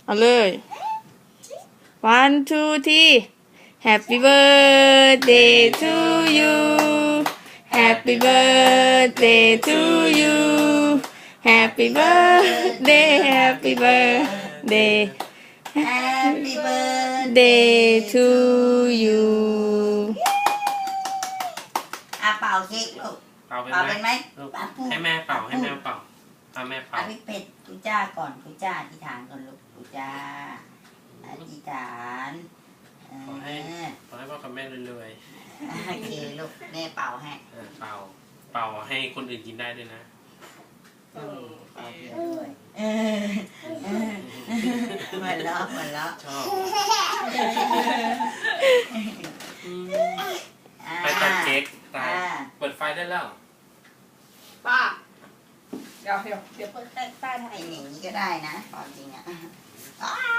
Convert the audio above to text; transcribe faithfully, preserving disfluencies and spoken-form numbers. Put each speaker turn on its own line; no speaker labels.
เอาเลย one two three Happy birthday to you Happy birthday to you Happy birthday Happy birthday
Happy birthday
Day to you
อ่ะเป่าเค้กลูก
เป่าเป็น
เป่า
ไหม
เป็นไหม
ลูก
เป่าพูด
ให้แม่เป่าให้แม่เป่าเอาแม่เป่า
อ่ะพี่เป็ดกูจ้าก่อนกูจ้าอธิษฐานก่อนลูกกูจ้าอธิษฐานเอ
ขอให้
อ
ขอให้พ่อกับแม่รวย
โอเคลูกแม่เป่าให้
ๆเออเป่าเป่าให้คนอื่นกินได้ด้วยนะ
เออเป่าเยอะด้วยเออเออเหมือนล้อเหมือนล้อ
ชอบ
อ่า
ไปตัดเค้กตาย
อ่า
เปิดไฟได้แล้ว
ป้าเดี๋ยวเดี๋ยวเดี๋ยวเปิดใต้ใต้
ไอ้หนีก็ได้นะความจริงอ่ะอ้าว